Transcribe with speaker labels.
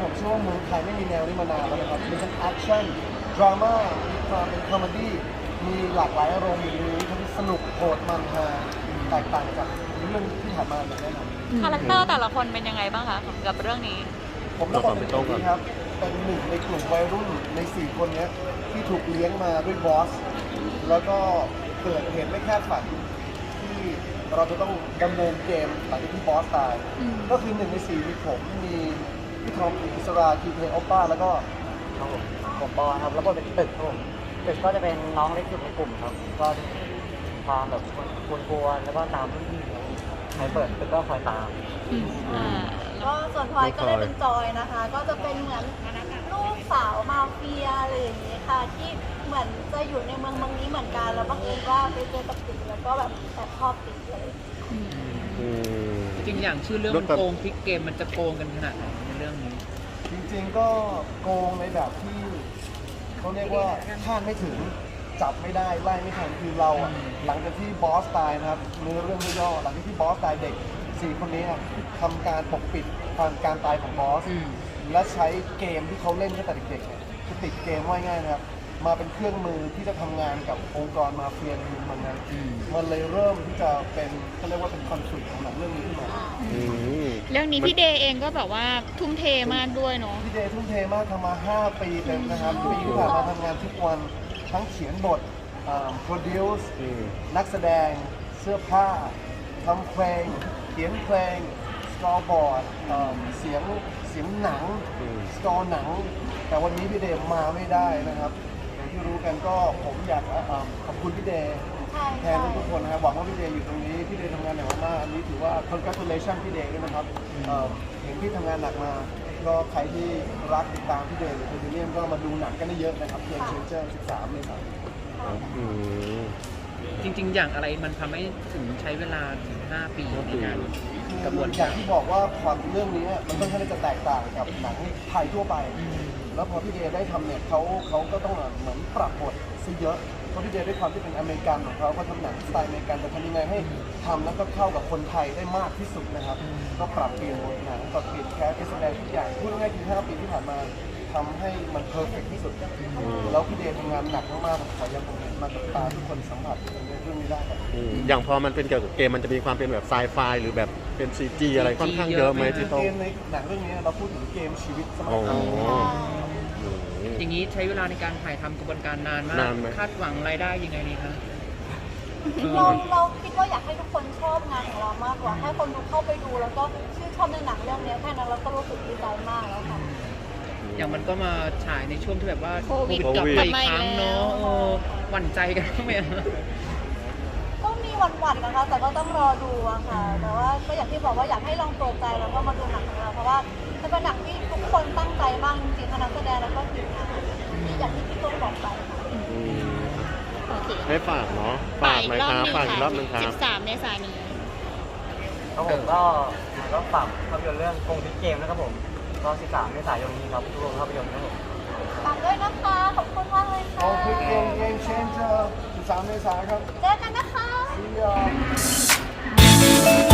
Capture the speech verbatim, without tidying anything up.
Speaker 1: ผมเชื่อว่าเมืองไทยไม่มีแนวนี้มานานแล้วนะครับมีทั้งแอคชั่นดราม่ามีความเป็นคอมเมดี้มีหลากหลายอารมณ์อยู่ในนี้ทั้งสนุกโหดมันฮาแตกต่างจากเรื่องที่ผ่านมาอย่างแน่นอน
Speaker 2: คาแรคเตอร์แต่ละคนเป็นยังไงบ้างคะกับเรื่องนี้
Speaker 1: ผมต้องบอกเป็นตรงนี้ครับเป็นหนึ่งในกลุ่มวัยรุ่นในสี่คนนี้ที่ถูกเลี้ยงมาด้วยบอสแล้วก็เกิดเหตุไม่คาดฝันที่เราจะต้องดำเนินเกมหลังจากที่บอสตายก็คือหนึ่งในสี่มีผมมีพี่ทอมอิสราคีเพโอป้าแล้วก็
Speaker 3: ครับผมผมปอครับแล้วก็เป็นตึกครับผมตึกก็จะเป็นน้องเล็กสุดในกลุ่มครับก็ความแบบกวนๆแล้วก็ตามรุ่นพี่ครับใครเปิดตึกก็คอยตาม
Speaker 2: อ่า
Speaker 4: ก็ส่วนพลอยก็เลยเป็นจอยนะคะ ก็จะเป็นเหมือนลูกสาวมาเฟียอะไรอย่างนี้ค่ะ ที่เหมือนจะอยู่ในเมืองเมืองนี้เหมือนกันแล้วบังเอิญว่าไปเจอกับติ๊กแล้วก็แบบแอบชอบติ๊กเลย
Speaker 5: จริงอย่างชื่อเรื่องมันโกงพลิกเกมมันจะโกงกันขนาดไหนในเรื่องนี้
Speaker 1: จริงๆก็โกงในแบบที่เขาเรียกว่าคาดไม่ถึงจับไม่ได้ไล่ไม่ทันคือเราอะหลังจากที่บอสตายนะครับเนื้อเรื่องย่อหลังจากที่บอสตายเด็กสี่คนนี้ทำการปกปิดความการตายของบอส และใช้เกมที่เขาเล่นตั้งแต่เด็กๆเนี่ยคือติดเกมว่าง่ายนะครับมาเป็นเครื่องมือที่จะทำงานกับองค์กรมาเฟียในเมืองนั้นมันเลยเริ่มที่จะเป็นเขาเรียกว่าเป็นคอนฟ lict ของหนังเรื่องนี้ขึ้นมา
Speaker 2: เรื่องนี้พี่เดย์เองก็แบบว่าทุ่มเทมากด้วยเนาะ
Speaker 1: พี่เดย์ทุ่มเทมากทำมาห้าปีเต็มนะครับปีที่ผ่านมาทำงานทุกวันทั้งเขียนบทโปรดิวซ์นักแสดงเสื้อผ้าทำเพลงเขียนเพลงสกอร์บอร์ดเสียงเสียงหนังสกอร์หนัง แต่วันนี้พี่เดย์มาไม่ได้นะครับอย่างที่รู้กันก็ผมอยากขอบคุณพี่เดย์แทนทุกคนนะครับหวังว่าพี่เดย์อยู่ตรงนี้พี่เดย์ทำงานหนักมากอันนี้ถือว่า congratulation พี่เดย์ด้วยนะครับเห็นพี่ทำงานหนักมาก็ใครที่รักติดตามพี่เดย์หรือคุณวิลเลียมก็มาดูหนังกันได้เยอะนะครับเพียงเชนเจอร์สิบสามเลยครับ
Speaker 5: จริงๆ อย่างอะไรมันทำให้ถึงใช้เวลาถึงห้าปีในการกระบวน
Speaker 1: อ
Speaker 5: การ
Speaker 1: ย่างที่บอกว่าความเรื่องนี้มันค่อนข้างจะแตกต่างกับหนังไทยทั่วไป แล้วพอพี่เดย์ได้ทำเนี่ยเขาเขาก็ต้องเหมือนปรับบทซะเยอะเพราะพี่เดย์ด้วยความที่เป็นอเมริกันของเขาเขาทำหนังสไตล์อเมริกันแต่ทำยังไงให้ทำแล้วก็เข้ากับคนไทยได้มากที่สุดนะครับก็ปรับเปลี่ยนบทหนังปรับเปลี่ยนแคสแสดงทุกอย่างพูดง่ายๆคือห้าปีที่ผ่านมาทำให้มันเพอร์เฟกที่สุดแล้วพี่เดย์ทำงานหนักมากๆผมขอยังผมเห็นมากับตาทุกคนสัมผัสในเรื่องนี้ได้ครับ
Speaker 6: อย่างพอมันเป็นเกี่ยวกับเกมมันจะมีความเป็นแบบไซไฟหรือแบบเป็น ซี จี อะไรค่อนข้างเยอะไหมที่ต้อง
Speaker 1: เกมในหนังเรื่องนี้เราพูดถึงเกมชีวิตสมั
Speaker 6: อ๋
Speaker 1: ย
Speaker 6: อ
Speaker 1: ก่อน
Speaker 5: อย่างนี้ใช้เวลาในการถ่ายทำกระบวนการนานมาก
Speaker 6: นานไหม
Speaker 5: คาดหวังรายได้ยังไงดีคะ
Speaker 4: เราเราคิดว่าอยากให้ทุกคนชอบงานของเรามากกว่าให้คนดูเข้าไปดูแล้วก็ชื่นชอบในหนังเรื่องนี้แค่นั้นเราก็รู้สึกดีใจมากแล้วค่ะ
Speaker 5: อย่างมันก็มาฉายในช่วงที่แบบว่า
Speaker 2: โควิด
Speaker 5: กลับมาอีก
Speaker 2: กลับมาอีก
Speaker 5: ครั้งเนาะ
Speaker 2: แล้ว
Speaker 5: เออหวั่นใจกันบ้างไหมอะ
Speaker 4: ก็มีหวั่นๆนะคะ แต่ก็ต้องรอดูอะค่ะ แต่ว่าก็อย่างที่บอกว่าอยากให้ลองเปิดใจแล้วก็มาดูหนังของเรา เพราะว่าจะเป็นหนังที่ทุกคนตั้งใจมากจริงๆทั้งนักแสดงแล้วก็ทีมงานที่อย่างที่พี่ตุ้มบอกไปค่ะ
Speaker 2: โอเค
Speaker 6: ให้ฝากเนาะฝากไหมครับฝากอีกรอบหนึงครับ
Speaker 2: สิบสามเมษายนนี้
Speaker 3: ครับผมก็ก็ฝากภาพยนตร์เรื่องโกงพลิกเกมนะครับผมก็สิบสามเมษายนนี้ครับทุกโรงภาพยนตร์ครับผม
Speaker 4: ฝากด้วยนะคะ ขอบคุณมากเลยค่ะ
Speaker 1: เอาคือเกมเกมเชนเจอร์สิบสามเมษายนครับ
Speaker 4: เจอกันนะคะ
Speaker 1: See ya